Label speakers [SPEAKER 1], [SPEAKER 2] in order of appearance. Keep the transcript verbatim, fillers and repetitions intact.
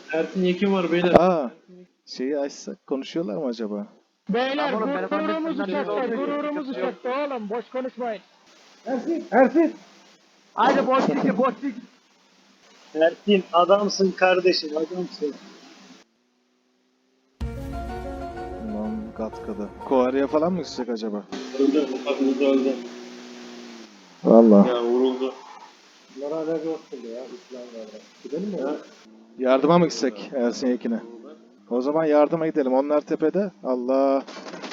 [SPEAKER 1] Ersin Yekin var beyler.
[SPEAKER 2] Aa, şeyi açsak konuşuyorlar mı acaba?
[SPEAKER 3] Beyler
[SPEAKER 4] Oğlum benim
[SPEAKER 3] gururumuz
[SPEAKER 4] annem
[SPEAKER 3] uçakta,
[SPEAKER 4] olduğu için
[SPEAKER 3] gururumuz
[SPEAKER 4] sıkıntı yok.
[SPEAKER 3] uçakta oğlum, boş konuşmayın.
[SPEAKER 5] Ersin, Ersin.
[SPEAKER 4] Haydi boşluk boşluk.
[SPEAKER 1] Ersin adamsın kardeşim adamsın.
[SPEAKER 2] Lan Gatka'da. Koari'ye falan mı gidecek acaba?
[SPEAKER 1] Öldü. Uçakımız öldü.
[SPEAKER 2] Valla.
[SPEAKER 1] Ya vuruldu.
[SPEAKER 5] Bunlar hala yoktu ya. İslamlar'da. Gidelim mi?
[SPEAKER 1] Ha?
[SPEAKER 2] Yardıma mı gitsek Ersin Yekin'e? O zaman yardıma gidelim. Onlar tepede. Allah.